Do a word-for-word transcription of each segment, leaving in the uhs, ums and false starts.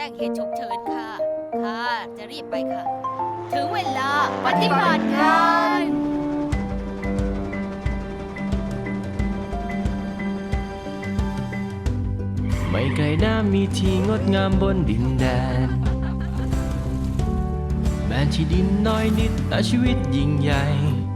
จ้งเหตุฉุกเฉินค่ะ ค่ะ จะรีบไปค่ะ ถึงเวลาปฏิบัติงานไม่ไกลน้ำมีที่งดงามบนดินแดนแม้ที่ดินน้อยนิดแต่ชีวิตยิ่งใหญ่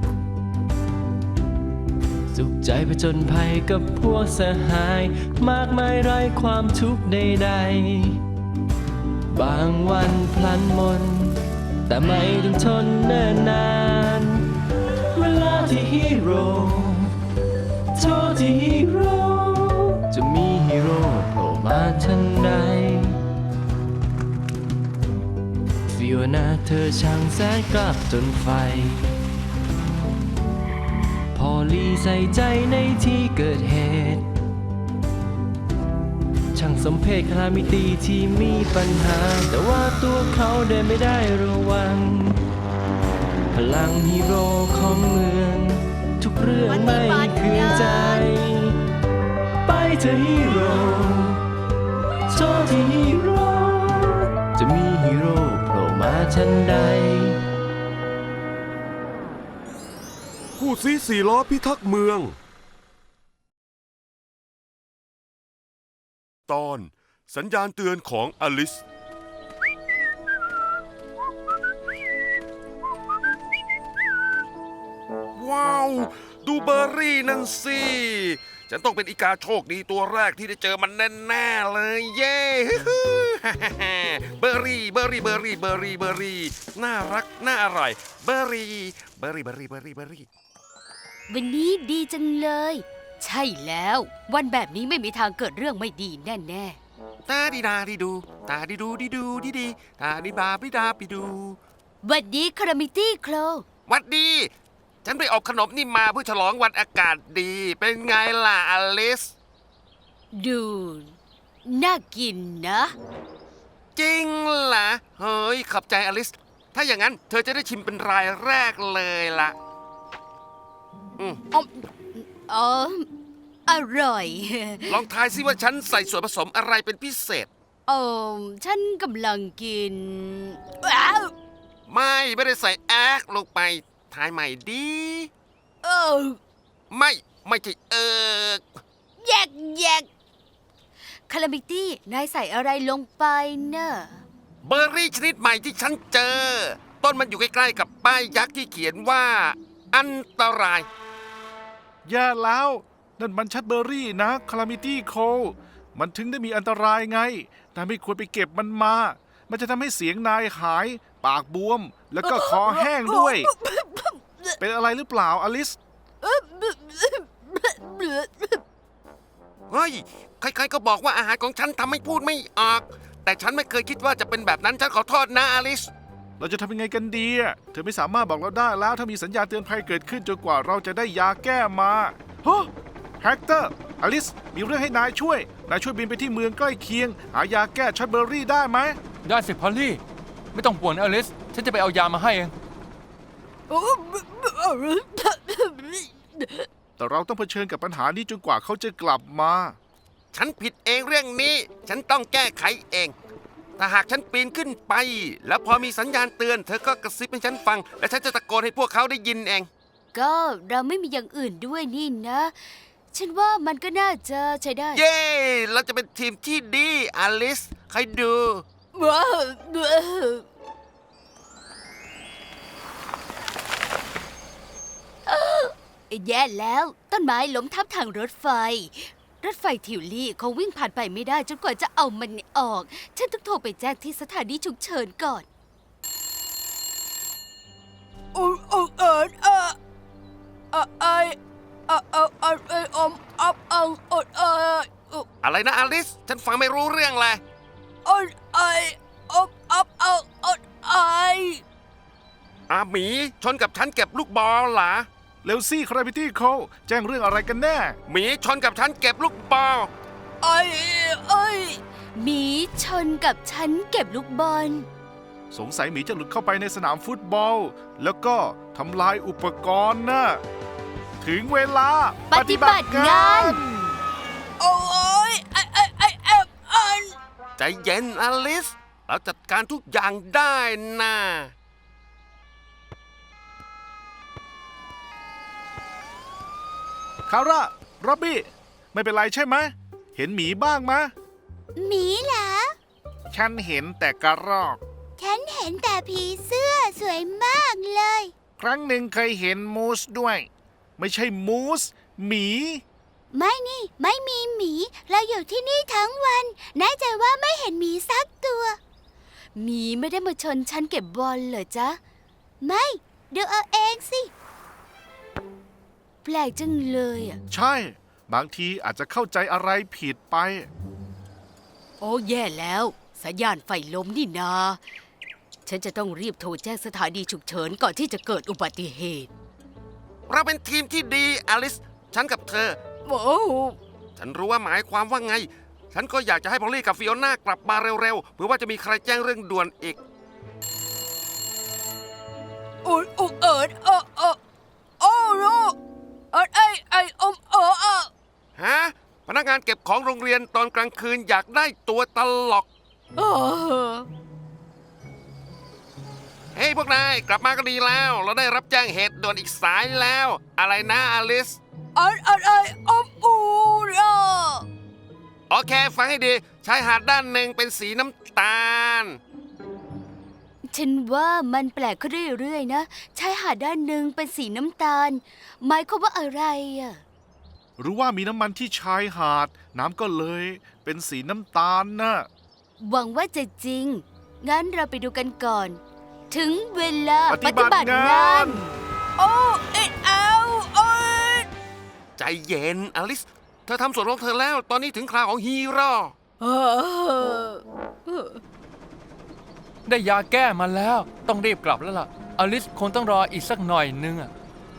สุขใจผจญภัยกับพวกสหายมากมายไร้ความทุกข์ใดๆบางวันพลันมนแต่ไม่ต้องทนเนิ่นนานเวลาที่ฮีโร่โทษที่ฮีโร่จะมีฮีโร่โผล่มาทันใดฟิโอนาเธอช่างแสนกลับจนไฟพอลีใส่ใจในที่เกิดเหตุช่างสมเพชคลามิตีที่มีปัญหาแต่ว่าตัวเขาเดินไม่ได้ระวังพลังฮีโร่ของเมืองทุกเรื่องไม่คืนใจไปเธอฮีโร่โทษที่ฮีโร่จะมีฮีโร่โผล่มาทันใดผู้ซีสี่ล้อพิทักษ์เมืองตอนสัญญาณเตือนของอลิสว้าวดูเบอร์รี่นั่นสิฉันต้องเป็นอีกาโชคดีตัวแรกที่ได้เจอมันแน่ๆเลยเย้เบอร์รี่เบอร์รี่เบอร์รี่เบอร์รี่เบอร์รี่น่ารักน่าอร่อยเบอร์รี่เบอร์รี่เบอร์รี่เบอร์รี่เบอร์รี่วันนี้ดีจังเลย ใช่แล้ว วันแบบนี้ไม่มีทางเกิดเรื่องไม่ดีแน่ตาดีดาดีดูตาดีดูดีดูดีดีตาดีบาบิดาปิดูๆวันนี้คารามิตี้โคลวัดดี ฉันไปอบขนมนี่มาเพื่อฉลองวันอากาศดี เป็นไงล่ะอลิสดู น่ากินนะจริงล่ะเฮ้ยขอบใจอลิส ถ้าอย่างนั้นเธอจะได้ชิมเป็นรายแรกเลยล่ะอืมอ๋ออ๋ออร่อยลองทายสิว่าฉันใส่ส่วนผสมอะไรเป็นพิเศษโอ้ฉันกำลังกินว้าวไม่ไม่ได้ใส่แอกลงไปทายใหม่ดีเออไม่ไม่ใช่เออแยกแยกคารามิตี้นายใส่อะไรลงไปเนอะเบอร์รี่ชนิดใหม่ที่ฉันเจอ ต้นมันอยู่ใกล้ๆกับป้ายยักษ์ที่เขียนว่า อันตรายแย่แล้วนั่นมันชัดเบอร์รี่นะคาลามิตี้โคมันถึงได้มีอันตรายไงนายไม่ควรไปเก็บมันมา มันจะทำให้เสียงนายหาย ปากบวม แล้วก็คอแห้งด้วย เป็นอะไรหรือเปล่าอลิสเฮ้ย ใครๆก็บอกว่าอาหารของฉันทำให้พูดไม่ออก แต่ฉันไม่เคยคิดว่าจะเป็นแบบนั้น ฉันขอโทษนะอลิสเราจะทำยังไงกันดีอะเธอไม่สามารถบอกเราได้แล้วถ้ามีสัญญาณเตือนภัยเกิดขึ้นจนกว่าเราจะได้ยาแก้มาฮะแฮกเตอร์อลิส มีเรื่องให้นายช่วย นายช่วยบินไปที่เมืองใกล้เคียง หายาแก้ชัดเบอร์รี่ได้ไหมได้สิพอลลี่ ไม่ต้องป่วนอลิส ฉันจะไปเอายามาให้เองแต่เราต้องเผชิญกับปัญหานี้จนกว่าเขาจะกลับมาฉันผิดเองเรื่องนี้ ฉันต้องแก้ไขเอง ถ้าหากฉันปีนขึ้นไป แล้วพอมีสัญญาณเตือน เธอก็กระซิบให้ฉันฟัง และฉันจะตะโกนให้พวกเขาได้ยินเองก็เราไม่มีอย่างอื่นด้วยนี่นะ ฉันว่ามันก็น่าจะใช้ได้เย้ เราจะเป็นทีมที่ดีอลิสใครดูว้าวแย่แล้วต้นไม้ล้มทับทางรถไฟ รถไฟทิวลี่คงวิ่งผ่านไปไม่ได้จนกว่าจะเอามันออก ฉันต้องโทรไปแจ้งที่สถานีฉุกเฉินก่อนโอ้โอ้เอิร์เออเออไอเออเออเออเอออมอับอังอดเอออะไรนะอลิส ฉันฟังไม่รู้เรื่องเลยอดไออบอับอังอดไออาหมีชนกับฉันเก็บลูกบอลเหรอเร็วซี่คารามิตี้โคแจ้งเรื่องอะไรกันแน่หมีชนกับฉันเก็บลูกบอลไอ้ไอ้หมีชนกับฉันเก็บลูกบอลสงสัยหมีจะหลุดเข้าไปในสนามฟุตบอล แล้วก็ทำลายอุปกรณ์นะถึงเวลาปฏิบัติงาน โอ้ยไอ้ไอ้ไอ้แอบอันใจเย็นอลิสเราจัดการทุกอย่างได้นะคาร่าร็อบบี้ ไม่เป็นไรใช่ไหม เห็นหมีบ้างมะหมีเหรอฉันเห็นแต่กระรอกฉันเห็นแต่ผีเสื้อสวยมากเลยครั้งหนึ่งเคยเห็นมูสด้วย ไม่ใช่มูส หมีไม่นี่ ไม่มีหมี เราอยู่ที่นี่ทั้งวันแน่ใจว่าไม่เห็นหมีสักตัวหมีไม่ได้มาชนฉันเก็บบอลเหรอจ๊ะไม่ดูเอาเองสิแปลกจังเลยอ่ะใช่ บางทีอาจจะเข้าใจอะไรผิดไปโอ้แย่แล้วสัญญาณไฟล้มนี่นา ฉันจะต้องรีบโทรแจ้งสถานีฉุกเฉินก่อนที่จะเกิดอุบัติเหตุเราเป็นทีมที่ดีอลิส ฉันกับเธอโอ้ฉันรู้ว่าหมายความว่าไง ฉันก็อยากจะให้พอลลี่กับฟิโอน่ากลับมาเร็วๆเพื่อว่าจะมีใครแจ้งเรื่องด่วนอีกอุดอุกเอิดเออเออโอ้โนเอิดไอไออมเออเออฮะ พนักงานเก็บของโรงเรียนตอนกลางคืนอยากได้ตัวตลกเออเฮ้ยพวกนายกลับมาก็ดีแล้ว เราได้รับแจ้งเหตุด่วนอีกสายแล้ว อะไรนะอลิสเอิดเอิดไออมอูเออโอเค ฟังให้ดี ชายหาดด้านหนึ่งเป็นสีน้ำตาลฉันว่ามันแปลกขึ้นเรื่อยๆนะชายหาดด้านหนึ่งเป็นสีน้ำตาล หมายความว่าอะไรอ่ะหรือว่ามีน้ำมันที่ชายหาด น้ำก็เลยเป็นสีน้ำตาลน่ะหวังว่าจะจริง งั้นเราไปดูกันก่อน ถึงเวลาปฏิบัติงานโอ้เอ็ดเอาโอ้ยใจเย็นอลิส เธอทำส่วนของเธอแล้ว ตอนนี้ถึงคราวของฮีโร่เออได้ยาแก้มาแล้ว ต้องรีบกลับแล้วล่ะ อลิสคงต้องรออีกสักหน่อยนึงอะ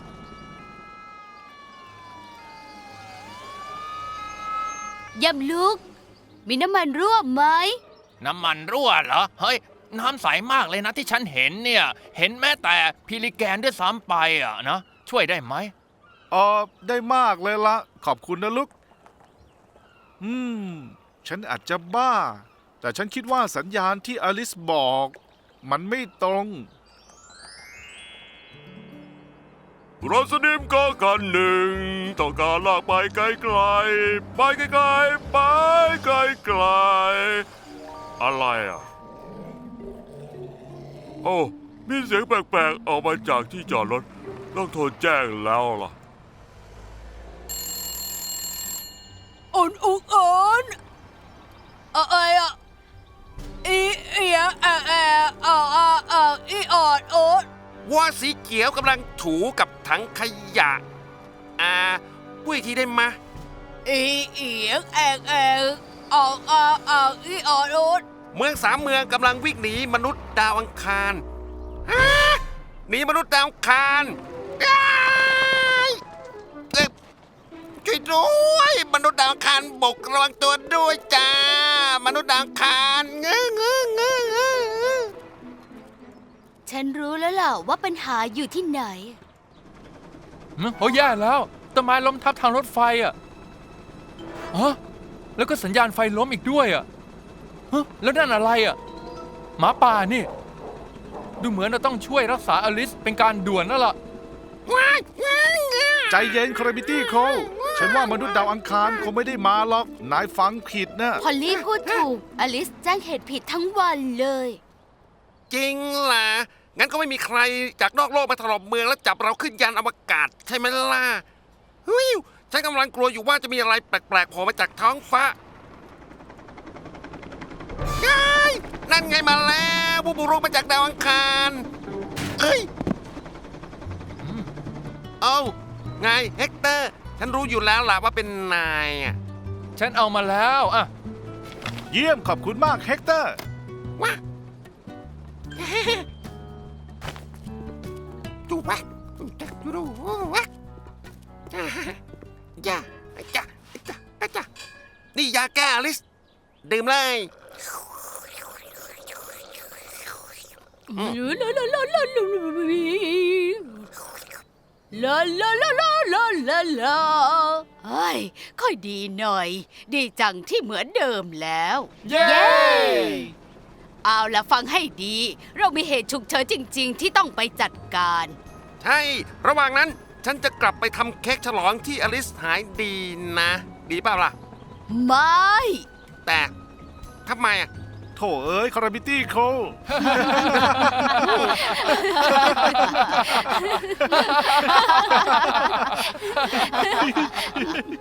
ยำลูก มีน้ำมันรั่วไหมน้ำมันรั่วเหรอ เฮ้ย น้ำใสมากเลยนะที่ฉันเห็นเนี่ย เห็นแม้แต่พิลิแกนด้วยซ้ำไปอ่ะนะ ช่วยได้ไหมเออได้มากเลยละ ขอบคุณนะลูก อืม ฉันอาจจะบ้า แต่ฉันคิดว่าสัญญาณที่อลิสบอก มันไม่ตรงรถสนิมก็คันหนึ่งต้องการลากไปไกลๆไปไกลๆไปไกลๆอะไรอ่ะ โอ้มีเสียงแปลกๆออกมาจากที่จอดรถ ต้องโทรแจ้งแล้วล่ะอ่อนอุกอ่อนอะไรอ่ะอีเอียแอแออ่าอ่าอ่าอีออดโอดวัวสีเขียวกำลังถูกับถังขยะ อ่าพูดอีกทีได้ไหมะอีเอียแอกแอกอ่าอ่าอ่าอีออดโอดเมืองสามเมืองกำลังวิ่งหนีมนุษย์ดาวอังคารฮะหนีมนุษย์ดาวอังคารอ้ายเอ้ยช่วยด้วยมนุษย์ดาวอังคารบกระวังตัวด้วยจ้ามนุษย์ดาวอังคารเงื้อเงื้อเงื้อเงื้อฉันรู้แล้วล่ะว่าปัญหาอยู่ที่ไหนหึโอ้แย่แล้วต้นไม้ล้มทับทางรถไฟอ่ะฮะแล้วก็สัญญาณไฟล้มอีกด้วยอ่ะฮะแล้วนั่นอะไรอ่ะ หมาป่านี่ ดูเหมือนเราต้องช่วยรักษาอลิสเป็นการด่วนแล้วล่ะใจเย็นคราบิตี้โคลฉันว่ามนุษย์ดาวอังคารคงไม่ได้มาหรอก นายฟังผิดนะพอลลี่พูดถูก อลิสแจ้งเหตุผิดทั้งวันเลยจริงล่ะ งั้นก็ไม่มีใครจากนอกโลกมาถล่มเมืองแล้วจับเราขึ้นยานอวกาศใช่ไหมล่ะฮิวฉันกำลังกลัวอยู่ว่าจะมีอะไรแปลกๆโผล่มาจากท้องฟ้าเฮ้ยนั่นไงมาแล้วผู้บุกมาจากดาวอังคารเอ้ยเอ้าไงเฮกเตอร์ ฉันรู้อยู่แล้วล่ะว่าเป็นนายอ่ะฉันเอามาแล้วอ่ะเยี่ยมขอบคุณมากเฮกเตอร์ว้าดูวะดูวะจ้าจ้าจ้าจ้านี่ยาแก้อลิส ดื่มเลยลาลาลาลาลาลาลาลาลาลาลาลาเฮ้ยค่อยดีหน่อย ดีจังที่เหมือนเดิมแล้วเย้เอาละฟังให้ดี เรามีเหตุฉุกเฉินจริง ๆ ที่ต้องไปจัดการใช่ ระหว่างนั้นฉันจะกลับไปทำเค้กฉลองที่อลิสหายดีนะ ดีเปล่าล่ะไม่แต่ทำไมอ่ะโถเอ้ยคาราบิตี้โคล